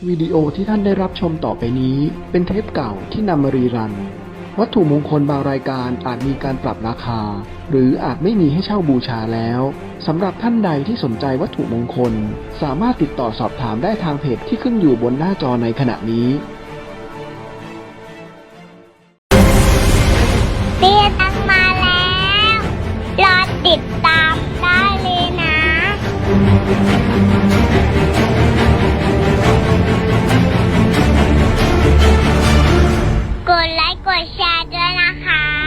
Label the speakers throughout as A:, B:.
A: วิดีโอที่ท่านได้รับชมต่อไปนี้เป็นเทปเก่าที่นำมารีรันวัตถุมงคลบางรายการอาจมีการปรับราคาหรืออาจไม่มีให้เช่าบูชาแล้วสำหรับท่านใดที่สนใจวัตถุมงคลสามารถติดต่อสอบถามได้ทางเพจที่ขึ้นอยู่บนหน้าจอในขณะนี้
B: เตี้ยตังมาแล้ว รอติดตามได้เลยนะ กดไลค์กดแชร์ด้วยนะคะ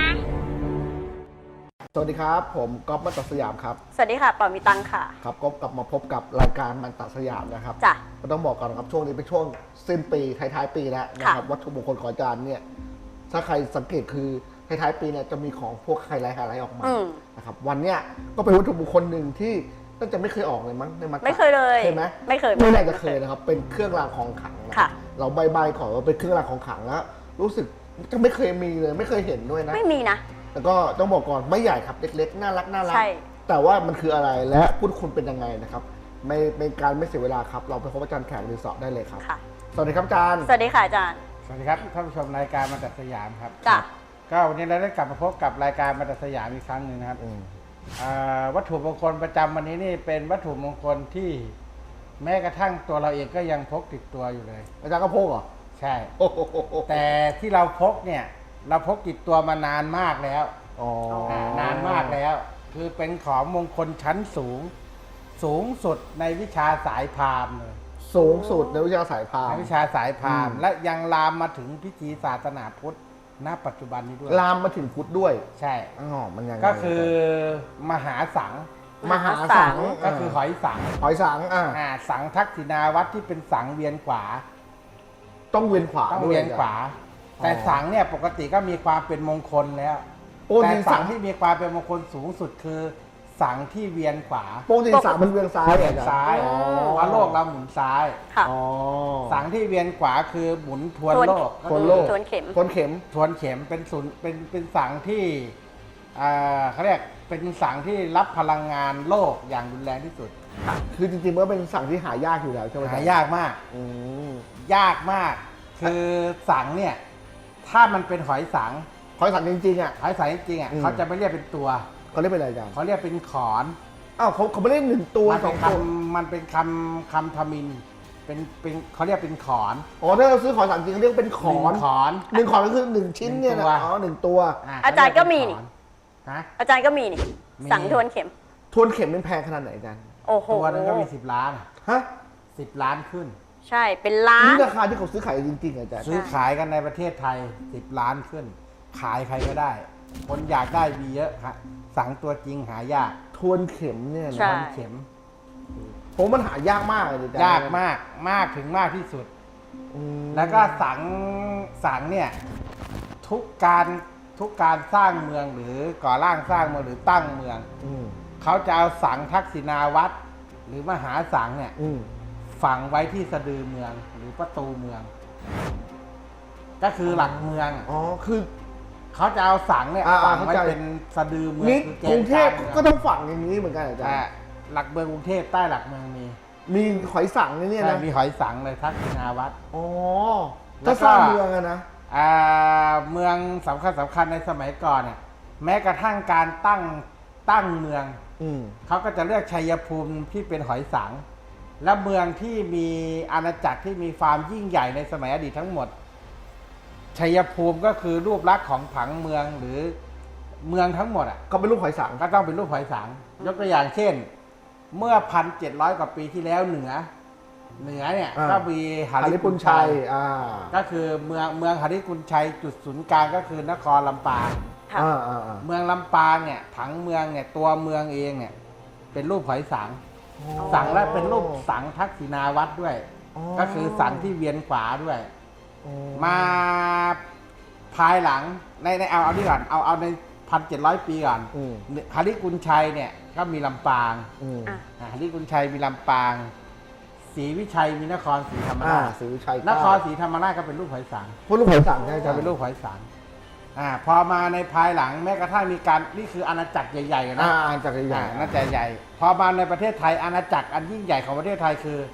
C: สวัสดีครับผมก๊อฟมัตตสยามครับ
D: สวัสดีค่ะปอมีตังค่ะ
C: ครับก็กลับมาพบกับรายการมันตสยามนะครับ
D: จ้ะ
C: ก็ต้องบอกก่อนนะครับช่วงนี้เป็นช่วงสิ้นปีท้ายๆปีแล้วนะครับวัตถุมงคลของอาจารย์เนี่ยถ้าใครสังเกตคือท้ายๆปีเนี่ยจะมีของพวกไฮไลท์ออกมานะครับวันเนี้ยก็เป็นวัตถุมงคลหนึ่งที่น่าจะไม่เคยออกเลยมั้งในมัน
D: ไม่เคยเลย
C: ใช่ไหม
D: ไม่เคย
C: ไม่น่าจะเคยนะครับเป็นเครื่องรางของขลังนะ
D: ค่ะ
C: เราใบๆขอว่าเป็นเครื่องรางของขลังแล้วรู้สึกจะไม่เคยมีเลยไม่เคยเห็นด้วยนะ
D: ไม่มีนะ
C: แล้วก็ต้องบอกก่อนไม่ใหญ่ครับเล็กๆน่ารัก
D: ใช่
C: แต่ว่ามันคืออะไรและพุทธคุณเป็นยังไงนะครับไม่เป็นการไม่เสียเวลาครับเราไปพบอาจารย์แขกรีสอร์ทได้เลยครับ
D: ค่ะ
C: สวัสดีครับอาจารย์
D: สวัสดีค่ะอาจารย์
E: สวัสดีครับท่านผู้ชมรายการมาตัดสยามครับ
D: จ้ะ
E: ก็วันนี้เราได้กลับมาพบกับรายการมาตัดสยามอีกครั้งหนึ่งนะครับวัตถุมงคลประจำวันนี้นี่เป็นวัตถุมงคลที่แม้กระทั่งตัวเราเองก็ยังพกติดตัวอยู่เลย
C: อาจารย์ก็พกเหรอ
E: ใช่
C: โอ้โห
E: แต่ที่เราพกเนี่ยเราพกติดตัวมานานมากแล้ว
C: อ๋อ
E: นานมากแล้ว คือเป็นของมงคลชั้นสูง สูงสุดในวิชาสายพราหมณ์เลย
C: สูงสุดในวิชาสายพาน
E: ในวิชาสายพราหมณ์และยังลามมาถึงพิธีศาสนาพุทธณปัจจุบันนี้ด้วย
C: ลามมาถึงพุทธด้วย
E: ใช่
C: อ๋อมันยังไง
E: ก็คือมหาสัง
C: มหาสัง
E: ก็คือหอยสัง
C: หอยสัง
E: สังทักษิณาวัตรที่เป็นสังเวียนขวา
C: ต้องเวียนขวา
E: ต้อง
C: ด้
E: เวียนขวา
C: อ๋อ
E: แต่สังเนี่ยปกติก็มีความเป็นมงคลแล้ว
C: โอ้
E: แต่
C: จริง
E: สั
C: สั
E: ง
C: ง
E: ที่มีความเป็นมงคลสูงสุดคือ สังที่เวียนขวา
C: โป้งจริงสังมันเวียนซ้าย
E: เวียนซ้าย
C: อ๋อ
E: เพราะโลกเราหมุนซ้าย
D: ค่ะ
C: อ๋อ
E: สังที่เวียนขวาคือหมุนทวน
D: ทวน
E: โลก
C: ทวนโลก
D: ทวนเข็ม
C: ทวนเข็ม
E: ทวนเข็มเป็นศูนย์เป็นสังที่เขาเรียกเป็นสังที่รับพลังงานโลกอย่างรุนแรงที่สุด
C: คือจริงๆมันก็เป็นสังที่หายากอยู่แล้วใช่ไหม
E: หายากมาก
C: อืม
E: ยากมาก คือสังเนี่ย ถ้ามันเป็นหอยสัง
C: หอยสังจริงๆอ่ะ
E: หอยสังจริงๆอ่ะ
C: อืม
E: เขาจะไม่เรียกเป็นตัว
C: เขาเรียกเป็นอะไรอาจารย์
E: เขาเรียกเป็นขอน
C: อ้าวเขาไม่เล่นหนึ่งตัว
E: มัน
C: ส
E: เป็
C: อน ง
E: ค
C: ตัว
E: ำมันเป็นคำทมินเป็นเขาเรียกเป็นขอน
C: อ๋อถ้าเราซื้อขอนสังจริงเขาเรียกเป็นขอน
E: หงขอน
C: หนึ่งขอนก็คือหนึ่งชิ้นเนี่ยนะ
E: หนึ่งตัว
C: อ๋อหนึ่งตัว
D: อาจารย์ก็มีนี่
E: ฮะ
D: อาจารย์ก็มีนี่
E: มี
D: สังทวนเข็ม
C: ทวนเข็มเป็นแพงขนาดไหนอาจารย์
D: โอ้โห
E: ตัวนึงก็มี10 ล้าน
C: ฮะ
E: 10 ล้านขึ้น
D: ใช่เป็นล้าน
C: นี่ราคาที่เขาซื้อขายจริงๆอาจารย์
E: ซื้อขายกันในประเทศไทย 10 ล้านขึ้น ขายใครก็ได้ คนอยากได้มีเยอะครับสังตัวจริงหายาก
C: ทวนเข็มเนี่ย
D: ใช่
C: นะ
E: เข็ม
C: ผมมันหายากมากเลยอาจารย์
E: ยากมากมากถึงมากที่สุด
C: อืม
E: แล้วก็สังเนี่ยทุกการสร้างเมืองหรือก่อร่างสร้างเมืองหรือตั้งเมือง
C: อืม
E: เขาจะเอาสังทักษิณาวัตรหรือมหาสังเนี่ย
C: อืม
E: ฝังไว้ที่สะดือเมืองหรือประตูเมือง ก็คือหลักเมือง
C: อ๋อคือ
E: เขาจะเอาสังเนี่ย
C: อ่า
E: ฝังไว้
C: เข้าใจ
E: เป็นสะดือเมือง
C: นี่
E: คือก
C: รุงเทพ
E: กลาง
C: ก็
E: เมือง
C: ต้องฝังอย่างนี้เหมือนกันอาจาร
E: แต่
C: ย์
E: หลักเมืองกรุงเทพใต้หลักเมืองมี
C: มีหอยสังเนี่ย
E: ใช่
C: นะ
E: มีหอยสังเลยทักษิณาวัตร
C: อ๋อ
E: แล้
C: ถ้าว
E: ก็
C: สร้างเมืองอะนะ
E: เมืองสำคัญในสมัยก่อนเนี่ยแม้กระทั่งการตั้งเมือง
C: อืม
E: เขาก็จะเลือกชัยภูมิที่เป็นหอยสัง และเมืองที่มีอาณาจักรที่มีความยิ่งใหญ่ในสมัยอดีตทั้งหมด ชัยภูมิก็คือรูปลักษณ์ของผังเมืองหรือเมืองทั้งหมดอ่ะ
C: ก็เป็นรูปหอยสัง
E: ก็ต้องเป็นรูปหอยสัง ยกตัวอย่างเช่น เมื่อ 1,700 กว่าปีที่แล้วเหนือเนี่ยก็มีห
C: หาริปุญชัย
E: ก็คือเมืองหาริปุญชัยจุดศูนย์กลางก็คือนครลำปาง
D: ค่ะ
E: เมืองลำปางเนี่ยผังเมืองเนี่ยตัวเมืองเองเนี่ยเป็นรูปหอยสัง สังและเป็นรูปสังทักษิณาวัตรด้วย ก็คือสังที่เวียนขวาด้วย มาภายหลังในเอานี่ก่อนเอาใน 1,700 ปีก่อน
C: อืม
E: หาริปุญชัยเนี่ยก็มีลำปาง
C: อืม
D: อ่ะ
E: หาริปุญชัยมีลำปางศรีวิชัยมีนครศรีธรรมราช
C: ศรีวิชัย
E: นครศรีธรรมราชก็เป็นรูปหอยสัง
C: พูดรูปหอยสังใช่ไหม
E: จะเป็นรูปหอยสังพอมาในภายหลังแม้กระทั่งมีการนี่คืออาณาจักรใหญ่ๆนะ
C: จากใหญ่
E: อาณาจักรใหญ่พอมาในประเทศไทยอาณาจักรอันยิ่งใหญ่ของประเทศไทยคือ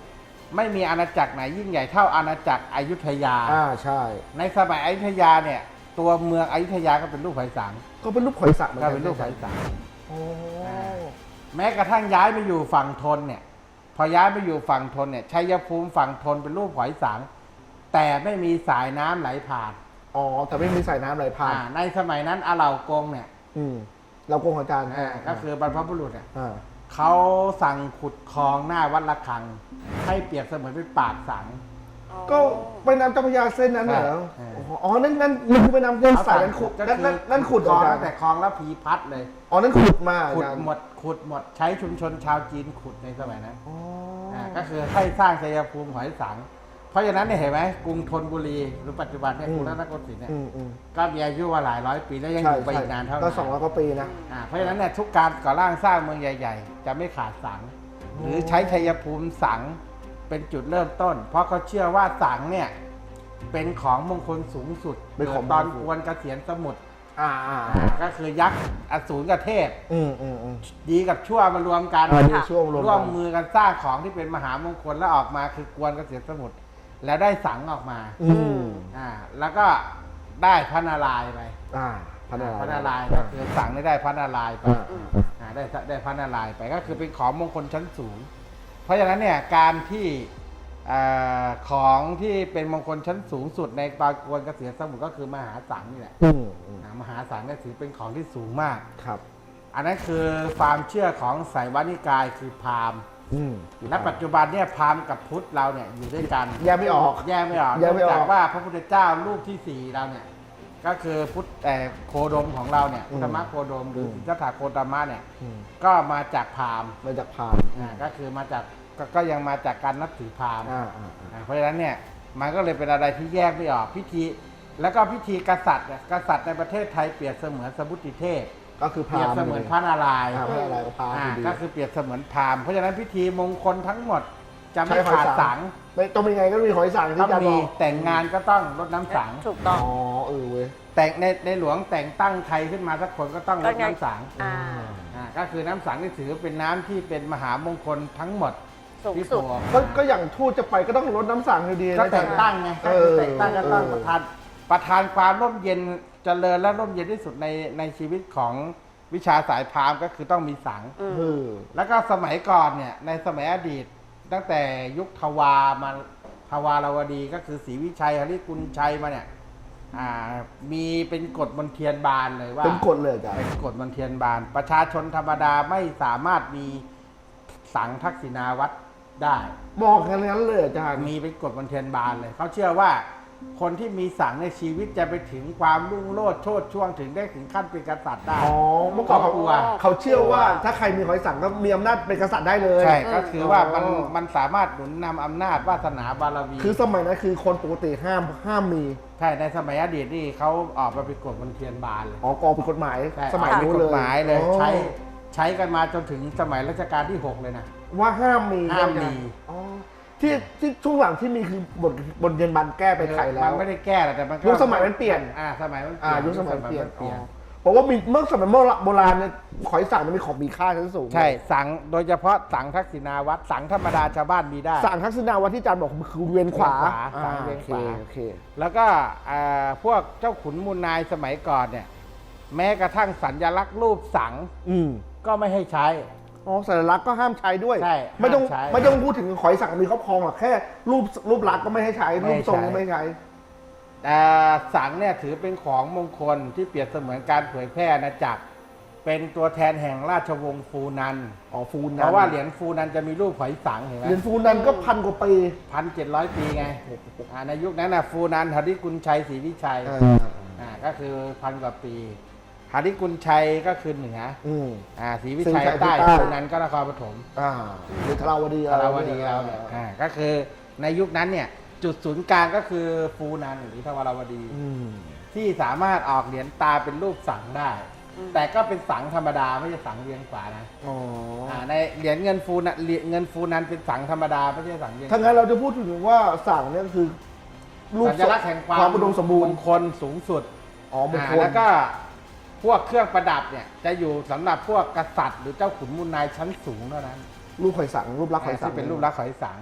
E: ไม่มีอาณาจักรไหนยิ่งใหญ่เท่าอาณาจักรอยุธยา
C: ใช่
E: ในสมัยอยุธยาเนี่ย ตัวเมืองอยุธยาก็เป็นรูปหอยสัง
C: ก็เป็นรูปหอยสังเหมือน
E: ก็
C: กัน
E: เป็นรูปหอยสัง
C: โอ้
E: แม้กระทั่งย้ายมาอยู่ฝั่งทนเนี่ย พอย้ายมาอยู่ฝั่งทนเนี่ยชัยภูมิฝั่งทนเป็นรูปหอยสัง แต่ไม่มีสายน้ำไหลผ่าน
C: อ๋อแต่ไม่มีสายน้ำไหลผ่าน
E: ในสมัยนั้นอาเหล่ากงเนี่ย
C: เราโกงอาจารย์
E: ก็คือบรรพบุรุษเนี่ย
C: อ่า
E: เขาสั่งขุดคลองหน้าวัดระฆัง ให้เปรียบเสมือนเป็นปากสัง
C: ก็ไปน้ำเจ้าพระยาเส้นนั้นเหรอ
E: ใช่
C: อ๋อนั่นคือไปน้ำเส้นสายนั้นขุด
E: ก็คือ
C: นั่นขุด
E: คลอง
C: อาจาร
E: ตั้
C: ย์
E: งแต่คลองแล้วผีพัดเลย
C: อ๋อนั่นขุดมา
E: ขุด
C: อาจารย์
E: หมดใช้ชุมชนชาวจีนขุดในสมัยนั้น
C: อ๋อ
E: ก็คือให้สร้างชัยภูมิหอยสัง เพราะฉะนั้นเนี่ยเห็นไหมกรุงธนบุรีหรือปัจจุบันเนี่ยกรุงรัตนโกสินทร์เนี่ย ก็มีอายุว่าหลายร้อยปีแล้วยังอยู่ไปอีกนานเท่าไหร่
C: ก็200 กว่าปีนะ
E: เพราะฉะนั้นเนี่ยทุกการก่อร่างสร้างเมืองใหญ่ ๆ จะไม่ขาดสัง หรือใช้ชัยภูมิสังเป็นจุดเริ่มต้น เพราะเขาเชื่อว่าสังเนี่ยเป็นของมงคลสูงสุด
C: เป็นของ
E: ตอน
C: มงคล
E: กวนเกษียณสมุทร
C: อ่า
E: ก็คือยักษ์อสูรกับเทพ
C: อืม
E: ดีกับชั่วมารวมกัน
C: ดีชั่วมารวมกัน
E: ร่วมมือกันสร้างของที่เป็นมหามงคลแล้วออกมาคือกวนเกษียณสมุทรแล้วได้สังออกมา แล้วก็ได้พระนารายณ์ไป
C: พระนารายณ์
E: พระนารายณ์ก็คือสังได้พระนารายณ์ไปได้พระนารายณ์ไปก็คือเป็นของมงคลชั้นสูง เพราะฉะนั้นเนี่ยการที่ของที่เป็นมงคลชั้นสูงสุดในตอนกวนเกษียณสมุทรก็คือมหาสังนี่แหละมหาสังก็ถือเป็นของที่สูงมาก
C: ครับ
E: อันนั้นคือความเชื่อของไสยวานิกายคือพราหมณ์และปัจจุบันเนี่ยพราหมณ์กับพุทธเราเนี่ยอยู่ด้วยกัน
C: แยกไม่ออก
E: แยกไม่ออก
C: แยกไม่ออก
E: เนื่องจากว่าพระพุทธเจ้ารูปที่ 4เราเนี่ยก็คือพุทธโคดมของเราเนี่ยพุทธมะโคดมหรือสิทธัตถะโคตมะเนี่ยก็มาจากพราหมณ์
C: มาจากพราหมณ์
E: ก็คือมาจากก็ยังมาจากการนับถือพราหมณ์ เพราะฉะนั้นเนี่ยมันก็เลยเป็นอะไรที่แยกไม่ออกพิธีแล้วก็พิธีกษัตริย์เนี่ยกษัตริย์ในประเทศไทยเปรียบเสมือนสมุติเทพ
C: ก็คือพ
E: เปรี
C: ราย
E: บ
C: หมณ์
E: เสมือนพระนารายณ์
C: พระนารายณ์กับพราหมณ์ดี
E: ก็คือเปรียบเสมือนพราหมณ์เพราะฉะนั้นพิธีมงคลทั้งหมดจะไม่
C: ใช้หอย
E: ขาด
C: สั
E: สั
C: ง
E: ง
C: ไม่ต้องมีไงก็มีหอยสังที่
E: ต้อง
C: อาจารย์บ
E: มี
C: อก
E: แต่งงานก็ต้องรดน้ำสัง
D: ถูกต้อง
C: เว้ย
E: แต่งในหลวงแต่งตั้งใครขึ้นมาสักคนก็ต้องรดน้ำสัง
D: อ่า
E: ก็คือน้ำสังที่ถือเป็นน้ำที่เป็นมหามงคลทั้งหมด
D: สูง
E: ที่
D: สุด
E: โผล่
C: ก็อย่างทูตจะไปก็ต้องรดน้ำสังอยู่ดี
E: ก็แต่งตั้งไงก็คือแต่งตั้งก็ต้องประธานความร่มเย็นเจริญและร่มเย็นที่สุดในชีวิตของวิชาสายพราหมณ์ก็คือต้องมีสัง แล้วก็สมัยก่อนเนี่ยในสมัยอดีตตั้งแต่ยุคทวามาทวารวดีก็คือศรีวิชัยหฤกุลชัยมาเนี่ยมีเป็นกฎมนเทียนบานเลยว่า
C: เป็นกฎเลยจ้ะ
E: เป็นกฎมนเทียนบาน ประชาชนธรรมดาไม่สามารถมีสังทักษิณาวัตรได้
C: บอกกันงั้นเลยอาจารย์
E: มีเป็นกฎมนเทียนบานเลยเขาเชื่อว่าคนที่มีสังในชีวิตจะไปถึงความรุ่งโรจน์โชติช่วงถึงได้ถึงขั้นเป็นกษัตริย์ได้
C: เมื่อก่อน
E: เขากลัว
C: เขาเชื่อว่าถ้าใครมีหอยสังก็มีอำนาจเป็นกษัตริย์ได้เลย
E: ใช่ก็คือว่ามันสามารถหนุนนำอำนาจวาสนาบารมี
C: คือสมัยนั้นคือคนปกติห้ามมี
E: ใช่ในสมัยอดีตนี่เขาออกมาเป็นกฎมนเทียนบานเลย
C: กองเป็นกฎหมาย
E: ใช่
C: สมัย
E: เป็น
C: นู้น
E: ก
C: เล
E: ฎ
C: ย
E: หมายเลย
C: อ๋อ
E: ใช้กันมาจนถึงสมัยรัชกาลที่ 6 เลยนะ
C: ว่าห้ามมี
E: ห้ามมี
C: อ๋อที่ช่วงหลังที่มีคือบทเรียนบันแก้ไปไขแล้ว
E: มันไม่ได้แก้หรอกแต่มันก็
C: ยุคสมัยมันเปลี่ยน
E: สมัยมันเปลี่ยน
C: ยุคสมัยเปลี่ยน
E: เปลี่ยน
C: เพราะว่ามีเมื่อสมัยโบราณเนี่ยหอยสังมันมีของมีค่าชั้นสูง
E: ใช่สังโดยเฉพาะสังทักษิณาวัตรสังธรรมดาชาวบ้านมีได้
C: สังทักษิณาวัตรที่อาจารย์บอกคือเวียนขวา
E: สังเวียนขวา
C: โอเค
E: แล้วก็พวกเจ้าขุนมูลนายสมัยก่อนเนี่ยแม้กระทั่งสัญลักษณ์รูปสังก็ไม่ให้ใช้
C: สัญลักษณ์ก็ห้ามใช้ด้วย
E: ใช่
C: ไม่ต้อง
E: ห้ามใช้
C: ไม่ต้องพูดถึงหอยสังมีครอบครองหรอกแค่รูปลักษณ์ก็ไม่ให้ใช้
E: ไม่
C: รู
E: ให้
C: ปทรง
E: ใช้
C: ก็ไม่ให้ใช้
E: สังเนี่ยถือเป็นของมงคลที่เปรียบเสมือนการเผยแพร่อาณาจักรเป็นตัวแทนแห่งราชวงศ์ฟูนัน
C: ฟูนัน
E: เพราะว่าเหรียญฟูนันจะมีรูปหอยสังเห็นไหม
C: เหรียญฟูนันก็1,000 กว่าปี
E: 1,700 ปีไงในยุคนั้นนะฟูนันหฤกุลชัยศรีวิชัยก็คือ1,000 กว่าปีหฤกุลชัยก็คือเหนือศรีวิชัยใต้ฟูนันก็นครปฐม
C: หรือธาราวดี
E: ธาราวดีเราเนี่ยก็คือในยุคนั้นเนี่ยจุดศูนย์กลางก็คือฟูนันหรือธาราวดี ที่สามารถออกเหรียญตาเป็นรูปสังได้ แต่ก็เป็นสังธรรมดาไม่ใช่สังเวียนขวานะในเหรียญเงินฟูนันเงินฟูนันเป็นสังธรรมดาไม่ใช่สังเวียน
C: ถ้างั้นเราจะพูดถึงว่าสังเนี่ยคือรูป
E: สัญลักษณ์แห่งความ
C: อุดมสมบูรณ์
E: มงคลสูงสุด
C: มงคล
E: แล้วก็พวกเครื่องประดับเนี่ยจะอยู่สำหรับพวกกษัตริย์หรือเจ้าขุนมูลนายชั้นสูงเท่านั้น
C: รูปหอยสังรูปลักษณ์หอยสัง
E: ที่เป็นรูปลักษณ์หอยสัง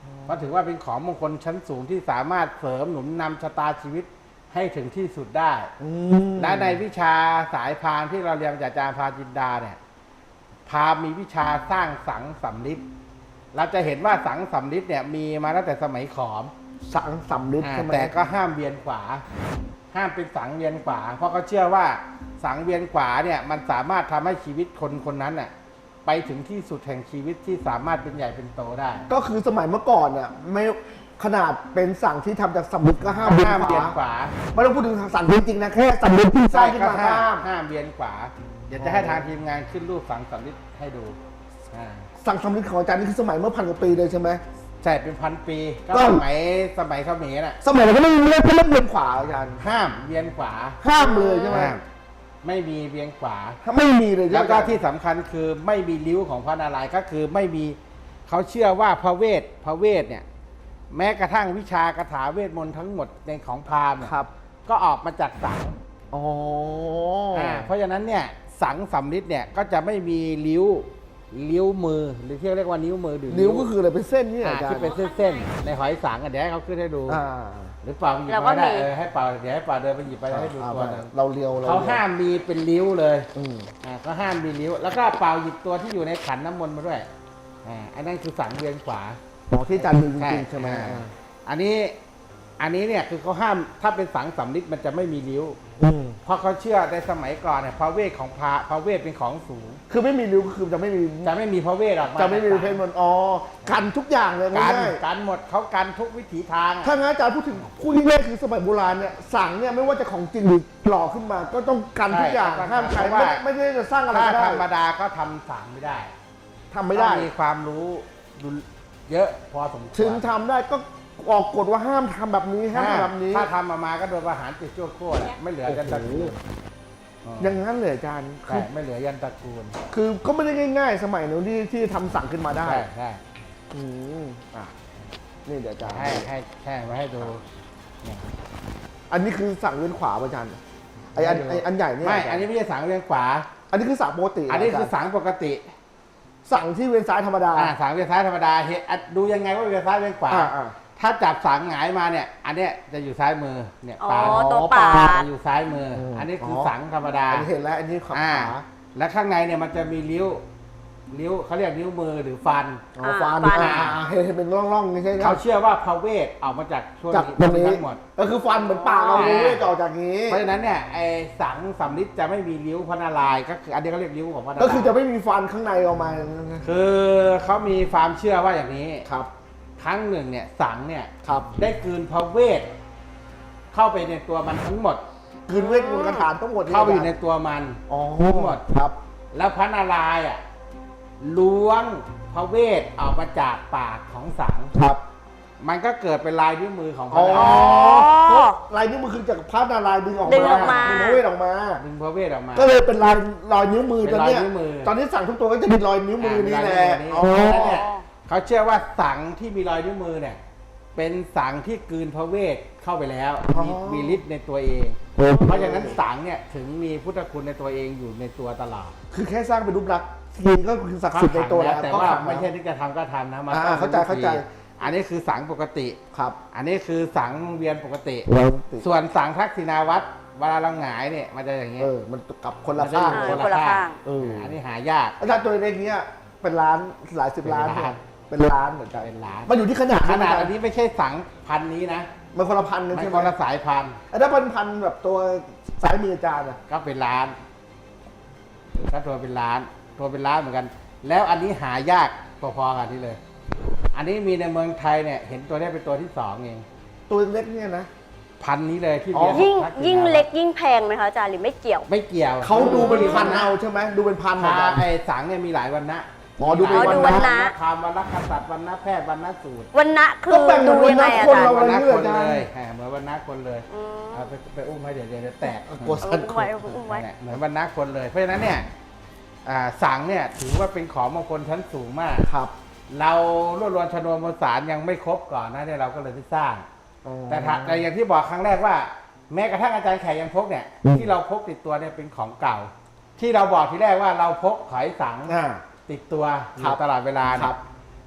E: เพราะถือว่าเป็นของมงคลชั้นสูงที่สามารถเสริมหนุนนำชะตาชีวิตให้ถึงที่สุดได้ และในวิชาสายพราหมณ์ที่เราเรียนจากอาจารย์พาจินดาเนี่ยพราหมณ์มีวิชาสร้างสังสำลิดเราจะเห็นว่าสังสำลิดเนี่ยมีมาตั้งแต่สมัยขอม
C: สังสำลิดใช่ไหม
E: แต่ก็ห้ามเวียนขวา ห้ามเป็นสังเวียนขวา เพราะเขาเชื่อว่าสังเวียนขวาเนี่ยมันสามารถทำให้ชีวิตคนคนนั้นน่ะไปถึงที่สุดแห่งชีวิตที่สามารถเป็นใหญ่เป็นโตได้
C: ก็คือสมัยเมื่อก่อนเนี่ยไม่ขนาดเป็นสั่งที่ทำจากสำลิดก็ห้าม
E: ห้ามเวียนขวา
C: ไม่ต้องพูดถึงสั่งจริงๆนะแค่สำลิดที่สร้างขึ้นมา
E: ห้า
C: ห้าม
E: ห้ามเวียนขวา เดี๋ยวจะให้ทางทีมงานขึ้นรูปสังสำลิดให้ดูอ่า
C: สั่งสำลิดของอาจารย์นี่คือสมัยเมื่อพันกว่าปีเลยใช่ไหม
E: ใช่เป็นพันปีก็
C: ก็
E: สมัยเขมรน่ะ
C: สมัยเราก็ไม่มีเรื่องเล่นเวียนขวาอาจารย์
E: ห้ามเวียนขวา
C: ห้ามเลยใช่ไหม
E: ห้ามไม่มีเวียนขวา
C: ถ้าไม่มีเลยใช่ไหม
E: แล้วก็ที่สำคัญคือไม่มีริ้วของพระนารายณ์ก็คือไม่มีเขาเชื่อว่าพระเวทเนี่ยแม้กระทั่งวิชากถาเวทมนต์ทั้งหมดในของพราหมณ์เนี่ย
C: ครับ
E: ก็ออกมาจากสัง
C: อ๋อ
E: เพราะฉะนั้นเนี่ยสังสำลิดเนี่ยก็จะไม่มีริ้วมือหรือที่เรียกว่านิ้วมือหรือ
C: นิ้วก็คืออะไรเป็นเส้นนี่อาจารย์
E: ที่เป็นเส้นๆในหอยสังอ่ะเดี๋ยวให้เขาขึ้นให้ดู
C: อ่า
E: หรือเปล่าหยิบ
D: เราก็
E: มาได้
D: มี
E: ให้เปล่าเดี๋ยวให้เปล่าเดินไปหยิบไปให้ดูตัวหนึง
C: เราเลียว
E: เขาห้ามมีเป็นริ้วเลย
C: อืม
E: ก็ห้ามมีริ้ว แล้วก็เปล่าหยิบตัวที่อยู่ในขันน้ำมนต์มาด้วยอันนั้นคือสังเวียนขวา
C: ของที่อาจารย์มีจริงๆใช่ไหม
E: อันนี้เนี่ยคือเขาห้ามถ้าเป็นสังสำลิดมันจะไม่มีริ้ว
C: อืม
E: เพราะเขาเชื่อในสมัยก่อนเนี่ยพระเวทของพระเวทเป็นของสูง
C: คือไม่มีริ้วก็คือจะไม่มี
E: จะไม่มีพระเวทออกมา
C: จะไม่มีเพศมันอ๋อกันทุกอย่างเลย
E: กัน
C: ง่าย
E: กันหมดเขากันทุกวิถีทาง
C: ๆถ้างั้นอาจารย์พูดถึงพูดง่ายๆคือสมัยโบราณเนี่ยสั่งเนี่ยไม่ว่าจะของจริงหรือหล่อขึ้นมา ก็ต้องกันทุกอย่างห้ามใครไม่ได้จะสร้างอะไร
E: ถ้า
C: ก็ได้
E: ธรรมดาก็ทำสังไม่ได้
C: ทำไม่ได้
E: ต้องมีความรู้เยอะพอสมควร
C: ถึงทำได้ก็ออกกฎว่าห้ามทำแบบนี้ห้ามทำแบบนี้
E: ถ้าทำออกมาก็โดนประหารติดชั่วโคตรไม่เหลือยันตระกูล
C: อย่างนั้นเลยอาจารย์
E: ใช่ไม่เหลือยันตระกูล
C: คือก็ไม่ได้ง่ายๆ สมัยนู้นที่ทำสั่งขึ้นมาได้
E: ใช่
C: อืมอ่ะนี่เดี๋ยวอาจารย์
E: ให้มาให้ดูเนี่ย
C: อันนี้คือสั่งเวียนขวาป่ะอาจารย์ไออันใหญ่เนี่ย
E: ไม่
C: าจารย์
E: อันนี้ไม่ใช่สังเวียนขวา
C: อันนี้คือสั่งปกติ
E: อันนี้คือ
C: อาจารย์
E: สังปกติ
C: สั่งที่เวียนซ้ายธรรมดา
E: สังเวียนซ้ายธรรมดาดูยังไงว่าเวียนซ้ายเวียนขวา
C: อ่า
E: ถ้าจับสังหงายมาเนี่ย อันเนี้ยจะอยู่ซ้ายมือเนี่ย
D: อ๋อ
E: ปาด
D: ตัวปาด
E: จะอยู่ซ้ายมืออ
C: ม
E: อันนี้คือ
C: อ
E: สังธรรมดา
C: อันนี้เห็นแล้วอันนี้ขวา
E: และข้างในเนี่ยมันจะมีริ้วเขาเรียกนิ้วมือหรือฟัน
C: อ๋อฟัน
D: ฟัน
C: เห็นเป็นร่องๆนี่ใช่ไหม
E: เขาเชื่อว่าพระเวทออกมาจากช่วง
C: จากตรงนี้
E: ทั้งหมด
C: ก็คือฟันเหมือนปากเราเว้ยต่อจากนี้
E: เพราะฉะนั้นเนี่ยไอ้สังสำลิดจะไม่มีริ้วพระนารายณ์ก็คืออันนี้เขาเรียกริ้วของพระนารายณ์
C: ก็คือจะไม่มีฟันข้างในออกมา
E: คือเขามีความเชื่อว่าอย่างนี้
C: ครับ
E: ครั้งหนึ่งเนี่ยสังเนี่ย
C: ครับ
E: ได้กลืนพระเวทเข้าไปในตัวมันทั้งหมด
C: คืนเวทมนต์คาถาทั้งหมด
E: เข้าไปอยู่ในตัวมัน
C: อ๋อ
E: ทั้งหมด
C: ครับ
E: แล้วพระนารายณ์อ่ะล้วงพระเวทออกมาจากปากของสัง
C: ครับ
E: มันก็เกิดเป็นลายนิ้วมือของพ
C: อ๋
E: ระ
C: อ
E: นารายณ์
C: ลายนิ้วมือคือจากพระนารายณ์ดึงออก
D: ดึงออกมา
C: ดึงพระเวทออกมา
E: ดึงพระเวทออกมา
C: ก็เลยเป็นรอยนิ้วมือ
E: เป็
C: ตอน
E: นรอย
C: เนี้ย
E: นิ้วมือ
C: ตอนนี้สั่งทุกตัวก็จะมีรอยนิ้วมือนี่แหละ
E: อ๋
C: อ๋
E: อ
C: อ
E: เนี่ยเขาเชื่อว่าสังที่มีรอยนิ้วมือเนี่ยเป็นสังที่กลืนพระเวทเข้าไปแล้วมีฤทธิ์ในตัวเอง เพราะฉะนั้นสังเนี่ยถึงมีพุทธคุณในตัวเองอยู่ในตัวตลอด
C: คือแค่สร้างเป็นรูปลักษณ์ทีก็คือศักดิ์สิทธิ์ในตัวแล้ว
E: แต่
C: ก็
E: ว่า
C: ขัง
E: ไม่ใช่
C: แล้ว
E: ที่จะทำก็ทำนะมัน
C: อ่า
E: ต้อง
C: เข้าใจ
E: อันนี้คือสังปกติ
C: ครับ
E: อันนี้คือสังเวียนปกติ
C: เราติด
E: ส่วนสังทักษิณาวัตรเวลาเราหงายเนี่ยมันจะอย่างเงี้ย
C: มันกลับคนละข้าง
E: มันจะอยู่
D: คนละข้าง
E: อันนี้หายาก
C: อาจารย์ตัวเล็กๆเนี้ยเป็นล้านหลายสิบล้าน
E: เป็นล้าน
C: เป็นล้านเหมือนกัน
E: เป็นล้าน
C: มันอยู่ที่ขนาด
E: ขนาด
C: ใช่ไหม
E: อันนี้ไม่ใช่สังพันนี้นะ
C: มันคนละพันกัน
E: มัน
C: ใช่ไห
E: ค
C: ม
E: นละสายพันธุ์
C: ถ้าเป็นพันแบบตัวสายมืออาจารย์อะ
E: ก็เป็นล้านก็ตัวเป็นล้านเหมือนกัน แล้วอันนี้หายากพอๆกันนี่เลย อันนี้มีในเมืองไทยเนี่ยเห็นตัวนี้เป็นตัวที่2เอง
C: ตัวเล็กเนี่ยนะ
E: พันนี้เลยที่
C: อ๋อ
E: เรียน
D: ยิ่ง
E: ทักษิณา
D: ยิ่งเล็กยิ่งแพงไหมคะอาจารย์หรือไม่เกี่ยว
E: ไม่เกี่ยว
C: เขาดูเป็นพันเอาใช่ไหมดูเป็นพันเหมือนกัน
E: ไอ้สังเนี่ยมีหลายวันนะ
C: อ๋อดูเป็น
D: อ๋อดู
C: วั
D: วัน น
C: นะ
D: นะ
E: คำวันละกษัตริย์วันนะแพทย์วันนะสูตร
D: วันนะคื
C: ก็
D: อ
C: แบ่งเหมื
D: ดู
C: อนวัน
D: ยังไง
C: นะ
D: อา
C: คน
D: จารย์
C: เรา
E: วันนะ
C: เรื่
E: ค
C: อย
E: น
C: ๆอาจาร
E: เล
C: ย์
E: ยเหมือนวันนะคนเลย
D: อืม
E: เอาไปอุ้มไว้เดี๋ยวแตก
C: กลัวสั่น
D: อุ้มไว้อุ้มไว้
E: เหมือนวันนะคนเลย เพราะฉะนั้นเนี่ยสังเนี่ยถือว่าเป็นของมงคลชั้นสูงมาก
C: ครับ
E: เรารวบรวมชนวนมวลสารยังไม่ครบก่อนนะเนี่ยเราก็เลยไม่สร้าง แต่อย่างที่บอกครั้งแรกว่า แม้กระทั่งอาจารย์แขกยังพกเนี่ยที่เราพกติดตัวเนี่ยเป็นของเก่า ที่เราบอกทีแรกว่าเราพกหอยสัง
C: อ่า
E: ติดตัวอ
C: ครั
E: ยู่
C: บ
E: ตลอดเวลา
C: ค
E: เนี่
C: รั
E: ย
C: บ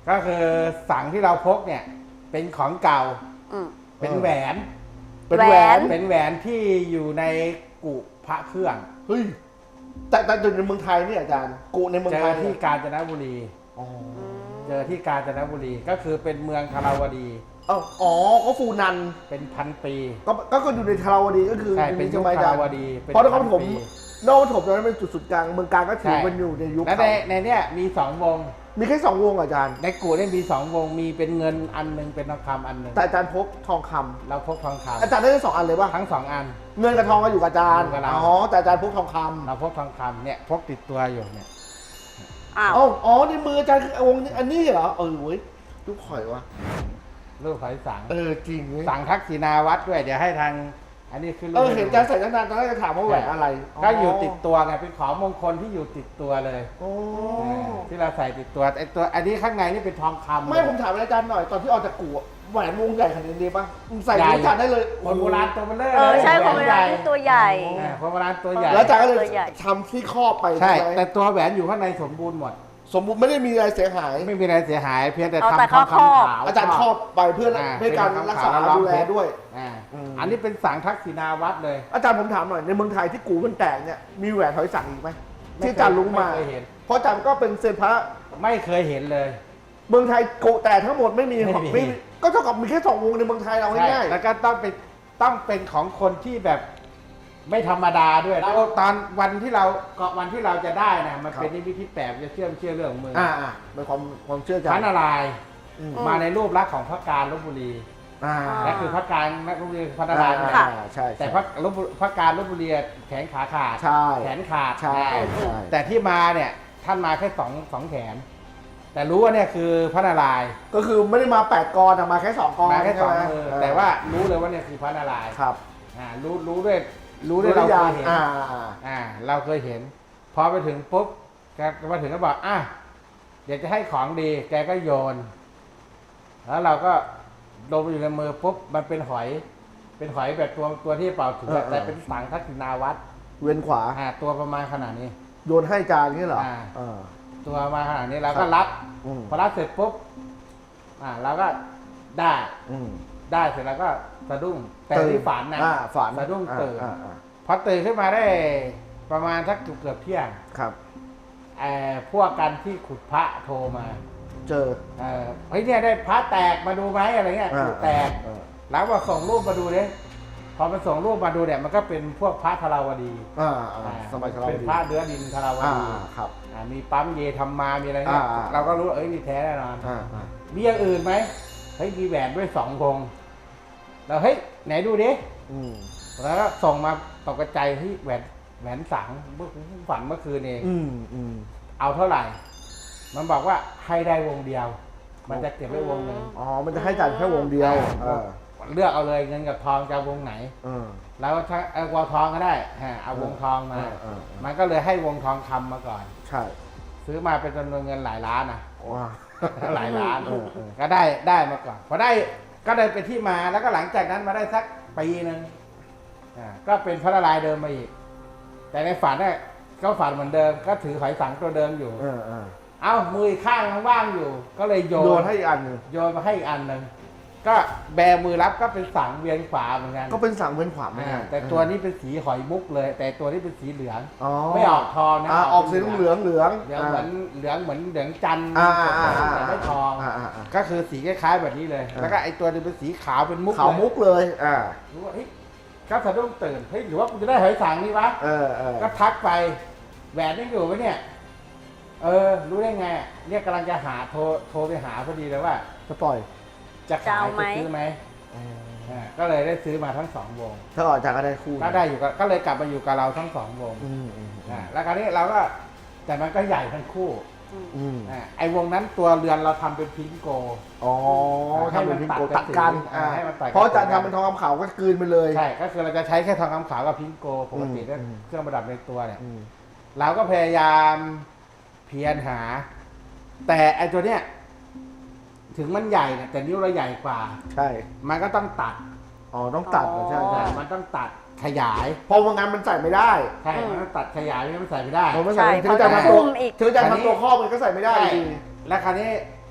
E: ก็คือสังที่เราพกเนี่ย เป็นของเก่า
D: อืม
E: เป็นแหวน
C: เป็นแหวน
E: เป็นแหวนที่อยู่ในกุพระเครื่อง
C: เฮ้ยแต่อยู่ในเมืองไทยเนี่ยอาจารย์กุในเมือง
E: เจ
C: ไท
E: อย ที่กาญจนบุรี
C: อ๋อ
E: เจอที่กาญจนบุรีก็คือเป็นเมืองธาราวดี
C: อ๋อก็ฟูนัน
E: เป็นพันปี
C: ก็อยู่ในทาราวดีก็คือ
E: ใช่เป็น
C: ใช่
E: ยุค
C: ไหมอา
E: ธา
C: จาร
E: ราว
C: ย์
E: ดีเป็น
C: เพราะนครปฐม
E: พันปี
C: นครปฐมตอนนั้นเป็นจุดศูนย์กลางเมืองการก็ถือ
E: ใช่
C: เป็นอยู่ในยุค
E: และ
C: เขา
E: ในเนี้ยมีสองวง
C: มีแค่2 วงอาจารย์
E: ในกูเนี่ยมีสองวงมีเป็นเงินอันหนึ่งเป็นทองคำอันหนึ่ง
C: แต่อาจารย์พกทองคำ
E: เราพกทองคำ
C: อาจารย์ได้ทั้ง2 อันเลยป่ะ
E: ทั้งสองอัน
C: เงินกับทองก็อยู่กับอาจารย์
E: อยู่กับเรา
C: อ๋อแต่อาจารย์พกทองคำ
E: เราพกทองคำเนี่ยพกติดตัวอยู่เนี่ย
D: อ้าว
C: อ๋อในมืออาจารย์คือวงนี้อันนี้เหรอเว้ยลูกข่อยวะ
E: รูปหอยสัง
C: จริงเว้ย
E: สังทักษิณาวัดด้วยเดี๋ยวให้ทาง อันนี้คือรูป
C: เห็นอาจารย์ใส่ตั้งนานตอนแรกจะถามว่าแหวนอะไร
E: ก็อยู่ติดตัวไงเป็นของมงคลที่อยู่ติดตัวเลย
C: โอ้
E: ที่เราใส่ติดตัวไอ้ตัวอันนี้ข้างในนี่เป็นทองคำ
C: ไม่ผมถามอาจารย์หน่อยตอนที่ออกจากกูอะแหวนวงใหญ่ขนาดนี้ป่ะใส่
E: ใหญ่
C: อาจารย์ได้เลย
E: คนโบราณตัวเบลเลอร์
D: ใช่
E: เลย
D: คนเวลาที่ตัวใหญ่
E: คนโบราณตัวใหญ่
C: แล้วอาจารย์ก็เลย
D: ตัวใหญ่
C: ทำที่ครอบไป
E: ใช่
C: ใช่ไหม
E: แต่ตัวแหวนอยู่ข้างในสมบูรณ์หมด
C: สมมุติไม่ได้มีอะไรเสียหาย
E: ไม่มีอะไรเสียหายเพียงแต่
D: เอาแต่
E: ทำทอง
D: ข้อ
E: คำขาว
C: อาจารย์ครอบไปเพื่อ
E: อ่า
C: ให้การรักษา
E: เป็นทองคำขาว
C: ดูแลด้วย
E: อ่า
C: อืม
E: อันนี้เป็นสังทักษิณาวัดเลย
C: อาจารย์ผมถามหน่อยในเมืองไทยที่กูมันแตกเนี่ยมีแหวนหอยสังอีกไหม
E: ไม่เคย
C: ที่อาจารย์รู้มา
E: ไม่เคยเห็น
C: เพราะอาจารย์ก็เป็นเซียนพระ
E: ไม่เคยเห็นเลย
C: เมืองไทยกูแตกทั้งหมดไม่มี
E: ไม่มี
C: ไม่มีก็เท่ากับมีแค่2 วงในเมืองไทยเรา
E: ใช่
C: ง่าย
E: แล้วก็ต้องเป็นของคนที่แบบไม่ธรรมดาด้วยแล้วตอนวันที่เราจะได้นะมันเป็นนิมิตที่แปลกจะเชื่อเรื่องมือ
C: เป็นความเชื่อใจ
E: พระนารายณ์
C: อืม
E: มาในรูปลักษณ์ของพระการลพบุรี
C: อ่า
E: และคือพระการลพบุรีพระนารายณ์
D: ค่ะ
C: ใช่
E: แต่พระการลพบุรีแขนขาขาด
C: ใช่
E: แขนขาด
C: ใช่
E: อ่า
C: ใช่
E: แต่ที่มาเนี่ยท่านมาแค่สองแขน แต่รู้ว่าเนี่ยคือพระนารายณ์
C: ก็คือไม่ได้มา8 กรอะมาแค่2 กร
E: มาแค่สอง
C: ใช่ไห
E: มือแต่ว่ารู้เลยว่าเนี่ยคือพระนารายณ์
C: ครับ
E: รู้ด้วยเราเคยเห็น เราเคยเห็น พอไปถึงปุ๊บแกมาถึงก็บอกเดี๋ยวจะให้ของดี แกก็โยน แล้วเราก็ลงไปอยู่ในมือปุ๊บมันเป็นหอยแบบตัวที่เป่าถึงแต่เป็นสังทักษิณาวัด
C: เวียนขวา
E: ตัวประมาณขนาดนี้
C: โยนให้จานนี่เหรอ
E: ตัวประมาณขนาดนี้เรา
C: ครั
E: ก็
C: บ
E: รับ
C: อืม
E: พอรับเสร็จปุ๊บเราก็ได้
C: อืม
E: ได้เสร็จแล้วก็สะดุ้งแต่ที่ฝันนะ
C: ฝัน
E: สะดุ้งตื่น
C: อ่า
E: พอตื่นขึ้นมาได้ประมาณสักเกือบเที่ยง
C: ครับ
E: พวกกันที่ขุดพระโทรมา
C: เจอ
E: เฮ้ยเนี่ยได้พระแตกมาดูไหมอะไรเงี้ย
C: อ่า
E: ขุดแตก แล้วบอกส่งรูปมาดูดิพอมันส่งรูปมาดูเนี่ยมันก็เป็นพวกพระธาราวดี
C: สมัยเรา
E: เป็นพระเนื้อดินธาราวดี
C: ครับ
E: มีปั๊มเยธรรมมามีอะไรเงี้ย เราก็รู้เอ้ยนี่แท้แน่นอน มีอย่างอื่นไหมเฮ้ยมีแหวนด้วย2 วงเราเฮ้ยไหนดูดิแล้วก็ส่งมาตกใจที่แหวนสังเมื่อฝันเมื่อคืนเองเอาเท่าไหร่ มันบอกว่าให้ได้วงเดียว มันจะเก็บไว้วงหนึ่ง
C: มันจะให้จานแค่วงเดียว
E: เลือกเอาเลยเงินกับทองจะเอาวงไหน แล้วถ้าเอาวงทองก็ได้เอาวงทองมา มันก็เลยให้วงทองคำมาก่อน
C: ใช่
E: ซื้อมาเป็นจำนวนเงินหลายล้านนะ
C: ว้า
E: หลายล้านก็ได้มาก่อนพอได้ก็เลยเป็นที่มาแล้วก็หลังจากนั้นมาได้สักปีนึงก็เป็นพระนารายณ์เดิมมาอีก แต่ในฝันเนี่ยก็ฝันเหมือนเดิมก็ถือหอยสังตัวเดิมอยู่เอามืออีกข้างมันว่างอยู่ ก็เลยโย
C: โย
E: น
C: นให้อีกอันหนึ่ง
E: โยนมาให้อีกอันหนึ่งก็แบมือรับก็เป็นสังเวียนขวาเหมือนกัน
C: ก็เป็นสังเวียนขวาไม่
E: แต่ตัวนี้เป็นสีหอยมุกเลย แต่ตัวนี้เป็นสีเหลือง
C: อ๋อ
E: ไม่ออกทองนะ
C: ออกสีเหลืองเหลือง
E: เหลืองเหมือนเหลืองจันทร์ แต่ไม่ทอง ก็คือสีคล้ายๆแบบนี้เลย แล้วก็ไอตัวนึงเป็นสีขาวเป็นมุก
C: ขาวมุกเลย
E: รู้ว่าเฮ้ยก็สะดุ้งตื่นเฮ้ยหรือว่ากูจะได้หอยสังนี่วะก็ทักไปแหวนยังอยู่ไหมเนี่ยรู้ได้ไงเนี่ยกำลังจะหาโทรไปหาพอดีเลยว่า
C: จะปล่อย
E: จะขายจะซื้อไหมก็เลยได้ซื้อมาทั้ง2 วง
C: ถ้าออกจากก็ได้คู่
E: ก็ได้อยู่ก็เลยกลับมาอยู่กับเราทั้ง2 วงแล้วคราวนี้เราก็แต่มันก็ใหญ่ทั้งคู่ไอ้วงนั้นตัวเรือนเราทำเป็นพิงโก
C: ทำเป็นพิงโก
E: ให้มัน
C: ตัดกัน
E: ให้มันตัดกัน
C: เพราะอาจารย์ทำเป็นทองคำขาวก็กลืนไปเลย
E: ใช่ก็คือเราจะใช้แค่ทองคำขาวกับพิงโกปกติด้วยเครื่องประดับในตัวเนี่ยเราก็พยายามเพียรหา แต่ไอ้ตัวเนี้ยถึงมันใหญ่เนี่ยแต่นิ้วเราใหญ่กว่า
C: ใช่
E: มันก็ต้องตัด
C: ต้องตัดใช่ใช่
E: มันต้องตัดขยาย
C: เพราะว่างั้นมันใส่ไม่ได้
E: ใช่มันต้องตัดขยายไม่งั้นมันใส่ไม่ได้
C: เพราะมันใส่
D: ใช่
C: ถึงอาจารย์
D: เพราะ
C: ทำตัว
D: หุ้มอีก
C: ถึงอาจารย์ทำตัวครอบมันก็ใส่ไม่ได้
E: ใช่
C: ดี
E: แล้วคราวนี้พ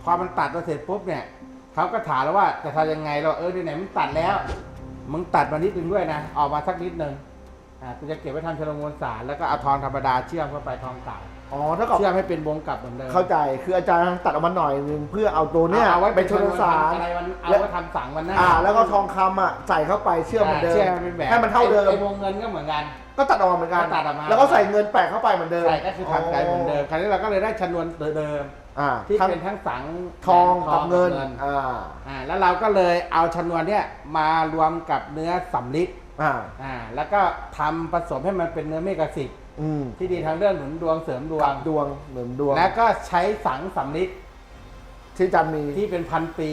E: พอมันตัดมาเสร็จปุ๊บเนี่ยเขาก็ถามแล้วว่าจะทำยังไงเราไหนมึงตัดแล้วมึงตัดมานิดนึงด้วยนะออกมาสักนิดนึงกูจะเก็บไว้ทำชนวนมวลสารแล้วก็เอาทองธรรมดาเชื่อมเข้าไปทองเก่า
C: อ๋อถ้ากับ
E: เชื่อมให้เป็นวงกลับเหมือนเดิม
C: เข้าใจคืออาจารย์ตัดออกมาหน่อยนึงเพื่อเอาตัวเนี้ย
E: เอาไว้
C: ไปชนวนสาร
E: อะไรมันเอาไว้ทำสังวันหน้า
C: แล้วก็ทองคำอ่ะใส่เข้าไปเชื่อมเหมือนเดิม
E: เชื่อมเป็นแบบ
C: ให้มันเท่าเดิม
E: ไอ้วงเงินก็เหมือนกัน
C: ก็ตัดออกมาเหมือนกัน
E: ก็ตัดออกมา
C: แล้วก็ใส่เงินแปะเข้าไปเหมือนเดิม
E: ใช่ก็คือทำใจเหมือนเดิมคราวนี้เราก็เลยได้ชนวนเดิม
C: อ่า
E: ที่
C: ทั้ง
E: เป็นทั้งสัง
C: ทองกับเงิน
E: แล้วเราก็เลยเอาชนวนเนี่ยมารวมกับเนื้อสำลิดแล้วก็ทำผสมให้มันเป็นเนื้อเมกะสิกที่ดีทางเรื่องหนุนดวงเสริมดวง
C: ดวงเหมือนดวง
E: แล้วก็ใช้สังสำลิด
C: ที่อาจารย์มี
E: ที่เป็นพันปี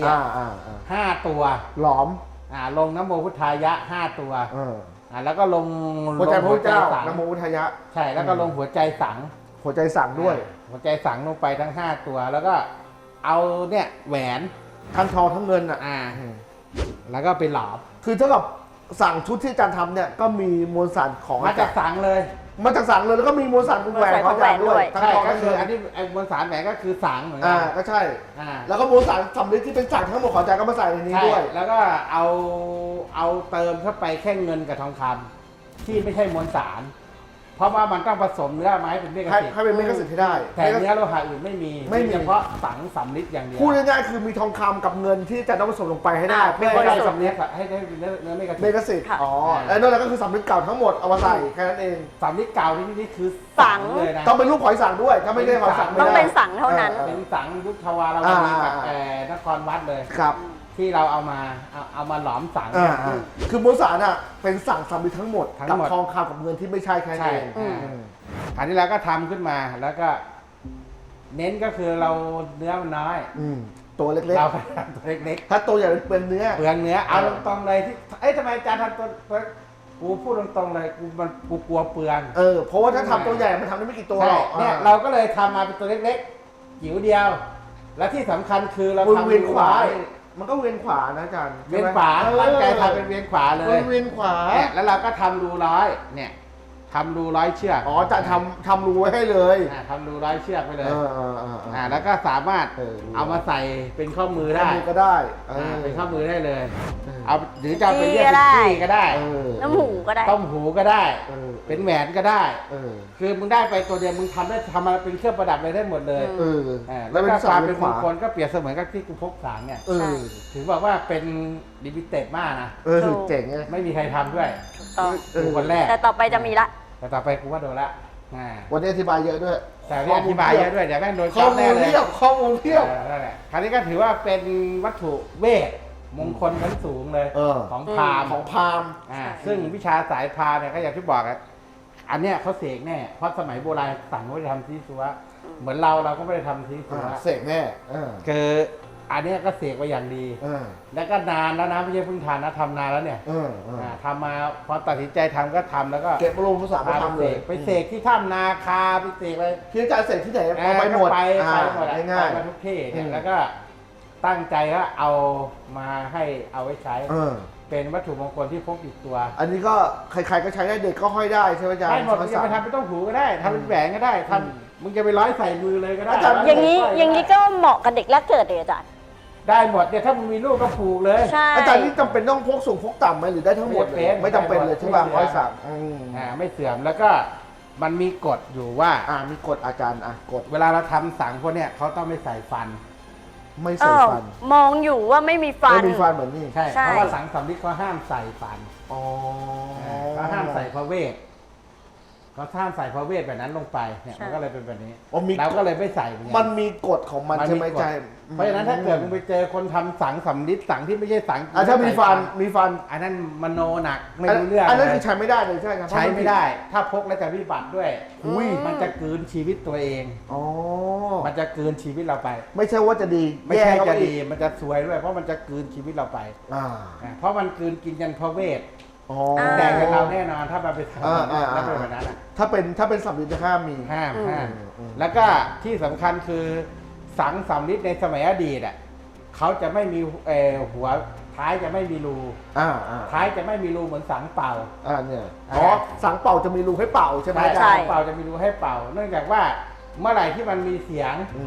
E: 5 ตัว
C: หลอม
E: ลงน้ำโมพุทธายะ5 ตัว แล้วก็ลง
C: หัวใจพระพุทธเจ้า
E: สัง
C: นโมพุทธายะ
E: ใช่แล้วก็ลงหัวใจสัง
C: หัวใจสั่งด้วย
E: หัวใจสังลงไปทั้ง5 ตัว แล้วก็เอาเนี่ยแหวน
C: ทั้งทองทั้งเงินอ่ะ
E: แล้วก็ไปหลอม
C: คือเท่ากับสั่งชุดที่อาจารย์ทำเนี่ยก็มีมวลสารของ
E: มาจากสังเลย
C: มาจากสั่งเลยแล้วก็มีมวลสารของแหวนของอาจารย์ด้วยทั้ง
E: ใช่
C: ทอง
E: ก็
C: ทั้ง
E: คื
C: เงิ
E: อน อันนี้ไอ้มวลสารแหวนก็คือสังเหมือนกั
C: ก็ใช่
E: อ่า
C: แล้วก็มวลสารสำลิดที่เป็นสั่งทั้งหมดของอาจารย์ก็มาใส่ในนี้
E: ใช่
C: ด้วย
E: แล้วก็เอาเติมเข้าไปแค่เงินกับทองคำที่ไม่ใช่มวลสาร เพราะว่ามันต้องผสมเนื้อไม้เป็นเมฆสิทธิ์
C: ให้เป็นเมฆสิทธิ์ให้ได้
E: แต่เนื้อโลหะอื่นไม่มีเฉพาะสังสำลิดอย่างเดียว
C: พูดง่ายๆคือมีทองคำกับเงินที่อาจารย์ต้องผสมลงไปให้ได้เพื่อ
E: ให้
C: ให้
E: ได้
C: ได้
E: สำลิดให้ได้เป็นเนื้อเมฆ
C: เม
E: สิท
C: ฆ
E: ธิ์
C: สิทธิ์แล้วนั่นแหละก็คือสำลิดเก่าทั้งหมดเอามาใส่แค่นั้นเอง
E: สำลิดเก่านี่คือ
D: สัง
E: เลยนะ
C: ต้องเป็นรูปหอยสังด้วยถ้าไม่ได้หอยสังไม่ได้
D: ต้องเป็นสังเท่านั้น
E: เป็นสังยุคทวารวดีกับนครวัดเลย
C: ครับ
E: ที่เราเอามาหลอมสัง
C: คือมวลสารอ่ะเป็นสั่งสำลิดทั้งหมด
E: ทั้ง
C: กับ
E: หมด
C: ทองคำกับเงินที่ไม่ใช่แค่นั้น
E: ใช่
C: เอง
E: คราวนี้เราก็ทำขึ้นมาแล้วก็เน้นก็คือเราเนื้อมันน้อย
C: ตัวเล็ก
E: เราก็ทำตัวเล็ก
C: ๆ ถ้าตัวใหญ่เป็นเนื้อ
E: ๆเปลืองเนื้อเอาตรงๆเลยที่ทำไมอาจารย์ทำตัวกูพูดตรงๆเลยกูกลัวเปลือง
C: เพราะว่าถ้าทำตัวใหญ่มันทำได้ไม่กี่ตัวห
E: ใช่
C: รอก
E: เนี่ยเราก็เลยทำมาเป็นตัวเล็กๆจิ๋วเดียว และที่สำคัญคือเราทำ
C: เวียนขวา
E: ไว้
C: มันก็เวียนขวานะอาจารย์
E: เวียนขวาตั้งใจทำเป็นเวียนขวาเลย
C: เวียนขวา
E: เนี่ยแล้วเราก็ทำรูร้อยเนี่ยทำรูร้อยเชือก
C: จะทำรูไว้ให้เลย
E: ทำรูร้อยเชือกไปเลย
C: อ่า
E: แล้วก็สามารถ
C: รู้
E: เอามาใส่เป็นข้อมือ
C: ได้
E: ได้
C: ก็ได้
E: เป็นข้อมือได้เลย
C: เออ
E: เอาหรือจะเอาไปเรียก
D: จี้ก็ได้
E: จี้ก็ได้
D: น้ำหูก็ได้
E: ต้มหูก็ได้
C: เออ
E: เป็นแหวนก็ได้
C: เออ
E: คือมึงได้ไปตัวเดียวมึงทำมาเป็นเครื่องประดับเลยได้หมดเลย
C: เออ
E: แล้วก็ความเป็นมงค
C: ขวา
E: ลก็เปรียบเสมือนกับที่กูพกสางเนี่ย
C: เออ
E: ถือบอกว่าเป็นลิมิเต็ดมากนะ
C: เจ๋งไง
E: ไม่มีใครทำด้วย
D: ถูกต้อง
E: กูคนแรก
D: แต่ต่อไปจะมีละ
E: แต่ต่อไปกูว่าโดนละ
C: วันนี้อธิบายเยอะด้วย
E: แต่นี่อธิบายเยอะด้วยเดี๋ยวแม่งโดน
C: ข้อ
E: จับ
C: มู
E: แน่
C: ล
E: เลย
C: เพียบข้อมูลเพียบ
E: นั่นแหละคราวนี้ก็ถือว่าเป็นวัตถุเวทมงคลชั้นสูงเลย ของพราหมณ์
C: ของพราหมณ์
E: ซึ่งวิชาสายพราหมณ์เนี่ยก็อย่างที่บอกอะอันเนี้ยเขาเสกแน่เพราะสมัยโบราณสั่งว่าจะทำซีซัวเหมือนเราก็ไม่ได้ทำซีซัว
C: เสกแน่
E: คืออันเนี้ยก็เสกไว้อย่างดี แล้วก็นานแล้วนะไม่ใช่เพิ่งทานนะทำนานแล้วเนี่ยทำมาพอตัดสินใจทำก็ทำแล้วก็
C: เก็บรวมภาษามาทำเลย
E: ไปเสกที่ถ้ำนาคาไปเสกอะไร
C: พี่อาจารย์เสกที่ไหนเอาไปหมด
E: ไปหมดอะ
C: ง่าย
E: ไปมาทุกที่เนี่ย
C: อืม
E: แล้วก็ตั้งใจว่าเอามาให้เอาไว้ใช้
C: ๆ
E: เป็นวัตถุมงคลที่พกติดตัว
C: อันนี้ก็ใครๆก็ใช้ได้เด็กก็ห้อยได้ใช่ไหมอาจารย์
E: ได้หมดมึงจะไปทำเป็นต้มหูก็ได้ทำเป็นแหวนก็ได้ทำมึงจะไปร้อยใส่มือเลยก็ได้
C: อาจารย์
D: อย่างนี้ก็เหมาะกับเด็กแรกเกิดเลยอาจารย์
E: ได้หมดเนี่ยถ้ามึงมีลูกก็ผูกเลย
D: ใช่
C: อาจารย์นี่จำเป็นต้องพกสูงพกต่ำไหมหรือได้ทั้งหมดเลยไม่จำเป็นเลยใช่ป่ะ
E: ไม่
C: ร้อย
E: เสื่อม
C: สั่ง
E: ไม่เสื่อมแล้วก็มันมีกฎอยู่ว่า
C: มีกฎอาจารย์กฎ
E: เวลาเราทำสังพวกเนี้ยเขาต้องไม่ใส่ฟัน
C: ไม่
D: เอ
C: ใส่
D: อ
C: ฟัน
D: มองอยู่ว่าไม่มีฟัน
C: ไม่มีฟันเหมือนนี่
E: ใช่
D: ใช่
E: เพราะว่าสังสำลิดเขาห้ามใส่ฟัน
C: อ๋อ
E: เขาห้ามใส่พระเวทเขาห้ามใส่พระเวทแบบนั้นลงไปเนี่ยมันก็เลยเป็นแบบนี้ เราก็เลยไม่ใส่เหมือนกัน
C: มันมีกฎของมันใช่ไหม
E: กฎ
C: อาจารย์
E: เพราะฉะนั้นถ้าเกิดมึงไปเจอคนทำสังสำลิดสังที่ไม่ใช่สัง
C: ถ้ามีฟัน
E: อันนั้นมโนหนักไม่รู้เรื่อง
C: อันนั้น
E: เล
C: คื
E: ย
C: อใช้ไม่ได้เลยใช่ไหมครับ
E: ใช้ไม่ได้ ถ้าพกแล้วจะวิบัติด้วย
C: อุ้ย
E: มันจะกลืนชีวิตตัวเอง
C: อ๋อ
E: มันจะกลืนชีวิตเราไป
C: ไม่ใช่ว่าจะดี
E: ไม่ใช่
C: แย่เข้า
E: จะ
C: ไปอี
E: ดี
C: ก
E: มันจะซวยด้วย เพราะมันจะกลืนชีวิตเราไป เพราะมันกลืนกินยันพระเวท
C: อ๋อ
E: แดงกับเราแน่นอนถ้ามันไปทำ
C: อ่า
E: แล้วเป็นแบบนั้นอะ
C: ถ้าเป็นสำลิดจะห้ามมี
E: ห้าม
C: อืม
E: แล้วก็ที่สำคัญคือสังสำลิดในสมัยอดีตอ่ะเขาจะไม่มีหัวท้ายจะไม่มีรูท้ายจะไม่มีรูเหมือนสังเป่า
C: เนี่ยสังเป่าจะมีรูให้เป่าใช่ไหมอาจารย์
E: สังเป่าจะมีรูให้เป่า เนื่องจากว่าเมื่อไหร่ที่มันมีเสียง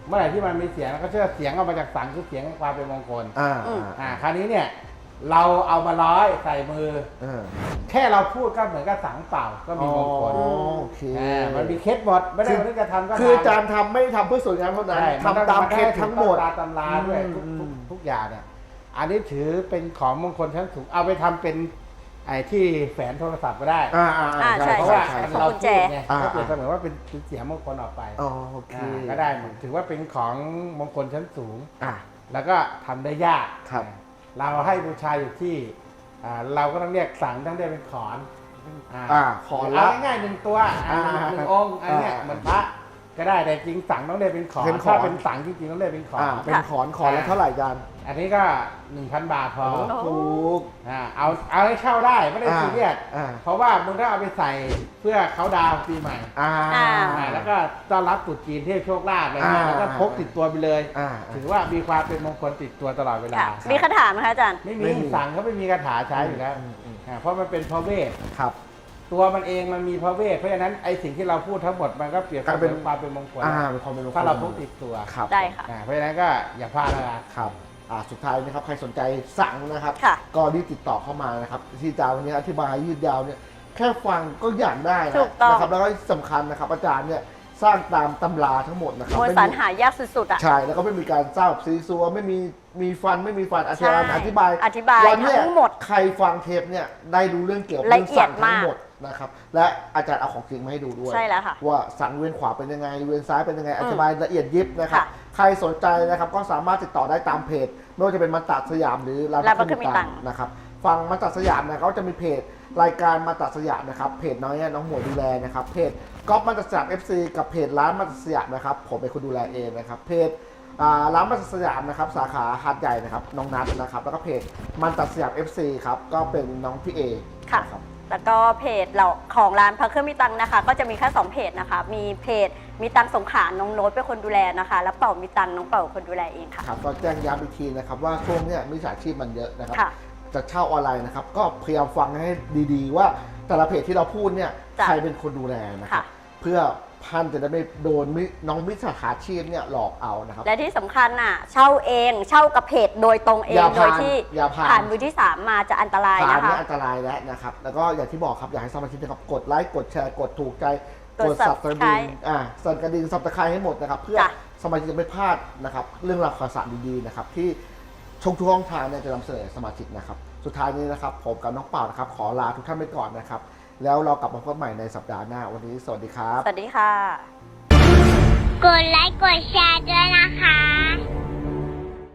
E: เมื่อไหร่ที่มันมีเสียงเราก็เชื่อเสียงออกมาจากสังคือเสียงความเป็นมงคล คราวนี้เนี่ยเราเอามาร้อยใส่มือ แค่เราพูดก็เหมือนกับสังเปล่าก็มีมงคล
C: โอเค
E: มันมีเคล็ดหมดไม่ได้ว่านึกจะทำก็ทำ
C: คืออาจารย์ทำไม่ได้ทำเพื่อสวยงามเท่านั้น
E: ใช่
C: ทำตามเคล็ดทั้งหมด
E: ตามตำราด้วยทุกอย่างเนี่ยอันนี้ถือเป็นของมงคลชั้นสูงเอาไปทำเป็นไอ้ที่แฝนโทรศัพท์ก็ได้
D: ใช่
E: เพราะว่า
D: ใช่
E: เรา
D: กุญแจ
E: พูดไงก็เปรียบเสมือนว่าเป็นเสียงมงคลออกไป
C: โอเค
E: ก็ได้เหมือนถือว่าเป็นของมงคลชั้นสูง
C: อ่า
E: แล้วก็ทำได้ยาก
C: ครับ
E: เราให้บูชาอยู่ที่เราก็ต้องเรียกสังต้องเรียกเป็นขอน
C: ขอน
E: เอา
C: ละ
E: ง่ายๆหนึ่งตัวหนึ่งองค์อันเนี้ยเหมือนพระก็ได้แต่จริงสังต้องเรียกเป็นขอน
C: เป็นขอน
E: ถ้าเป็นสังจริงๆต้องเรียกเป็นขอน
C: เป็นขอนละเท่าไหร่อาจารย์
E: อันนี้ก็ 1,000 บาทพอ
C: ถูก
E: เอาให้เข้าได้ไม่ได้ซีเรียส
C: อ่า
E: เพราะว่ามึงต้องเอาไปใส่เพื่อเขาดาวน์ปีใหม่ แล้วก็ต้อนรับตรุษจีนเทพโชคลาภอะไรเงี้ย
C: อ่า
E: แล้วก็พกติดตัวไปเลย
C: อ่า
E: ถือว่ามีความเป็นมงคลติดตัวตลอดเวลา
D: ค่ะมีคาถาไหมคะอาจารย์
E: ไม่
C: ไม่
E: มี
C: มี
E: สั่งเขาไม่มีคาถาใช้อยู่แล้วเพราะมันเป็นพระเวท
C: ครับ
E: ตัวมันเองมันมีพระเวทเพราะฉะนั้นไอ้สิ่งที่เราพูดทั้งหมดมันก็เปรียบเส
C: กลายเป็
E: มือน นความเป็นมงคล
C: เป็นความเป็นมงคล
E: ถ้าเราพกติดตัว
C: ครับ
D: ได้ค่ะ
E: เพราะฉะนั้นก็อย่าพลาดนะครับ
C: ครับสุดท้ายนะครับใครสนใจสั่งนะครับ
D: ค่ะ
C: ก็รีบติดต่อเข้ามานะครับที่อาจารย์วันนี้อธิบายยืดยาวเนี่ยแค่ฟังก็อยากได้นะ
D: ถูกต้อง
C: นะครับแล้วก็ที่สำคัญนะครับอาจารย์เนี่ยสร้างตามตำราทั้งหมดนะครับ
D: มวล
C: ไม่
D: สาร
C: มี
D: หายากสุดๆอ่ะ
C: ใช่แล้วก็ไม่มีการสร้างแบบซีซัวไม่มีฟันไม่มีฟันอาจารย์
D: ใช่
C: อธิบาย
D: อธิบาย
C: วันเนี้ย
D: ทั้งหมด
C: ใครฟังเทปเนี่ยได้รู้เรื่องเกี่ยวกับ
D: ละ
C: เรื่อง
D: เอีย
C: สั่
D: ด
C: งทั้ง
D: มาก
C: หมดนะครับและอาจารย์เอาของจริงมาให้ดูด้วย
D: ใช่แล้วค่ะ
C: ว่าสังเวียนขวาเป็นยังไงเวียนซ้ายเป็นยังไงอธิบายละเอียดยิบนะครับ
D: ค่ะ
C: ใครสนใจนะครับก็สามารถติดต่อได้ตามเพจไม่ว่าจะเป็นมันตัดสยามหรือร้าน
D: ร้าน
C: พระ
D: พระเครื่องมีตังค์
C: นะครับฟังมันตัดสยามนะเขาจะมีเพจรายการมันตัดสยามนะครับเพจน้องหมวยดูแลนะครับเพจก๊อฟมันตัดสยาม FC กับเพจร้านมันตัดสยามนะครับผมเป็นคนดูแลเองนะครับเพจร้านมันตัดสยามนะครับสาขาหาดใหญ่นะครับน้องนัทนะครับแล้วก็เพจมันตัดสยาม FC ครับก็เป็นน้องพี่เอ
D: ค่ะ
C: นะครับ
D: แล้วก็เพจเราของร้านพระเครื่องมีตังนะคะ ก็จะมีแค่2เพจนะคะ มีเพจมีตังสงขลาน้องโน้ตเป็นคนดูแลนะคะ แล้วเป่ามีตังน้องเป่าคนดูแลเองค่ะ
C: ครับก็แจ้งย้ำอีกทีนะครับว่าช่วงเนี้ยมิจฉาชีพมันเยอะนะครับ
D: ค่ะ
C: จะเช่าออนไลน์นะครับก็พยายามฟังให้ดีๆ ว่าแต่ละเพจที่เราพูดเนี่ย
D: จ้ะ
C: ใครเป็นคนดูแลนะครับ
D: ค่ะ
C: เพื่อพันจะได้ไม่โดนน้องมิจฉาชีพเนี่ยหลอกเอานะครับ
D: และที่สำคัญน่ะเช่าเองเช่ากับเพจโดยตรงเอง
C: อย่า
D: โด
C: ผ่าย น
D: ที่
C: อย่าผ่าน
D: ผ่านมือที่ 3 มาจะอันตราย
C: ผ่าน
D: นะคะ
C: เนี่ยอันตรายแล้วนะครับแล้วก็อย่างที่บอกครับอยากให้สมาชิกนะครับกดไลค์กดแชร์กดถูกใจ
D: กด
C: สับกระดิ่ง
D: Subscribe
C: สั่นกระดิ่งสับตะไคร้ให้หมดนะครับเพื่อ
D: จ้ะ
C: สมาชิกจะไม่พลาดนะครับเรื่องราวข่าวสารดีๆนะครับที่ทุกช่องทางเนี่ยจะนำเสนอสมาชิกนะครับสุดท้ายนี้นะครับผมกับน้องเป่านะครับขอลาทุกท่านไปก่อนนะครับแล้วเรากลับมาพบกันใหม่ในสัปดาห์หน้าวันนี้สวัสดีครับ
D: สวัสดีค่ะ
B: กดไลค์กดแชร์ด้วยนะคะ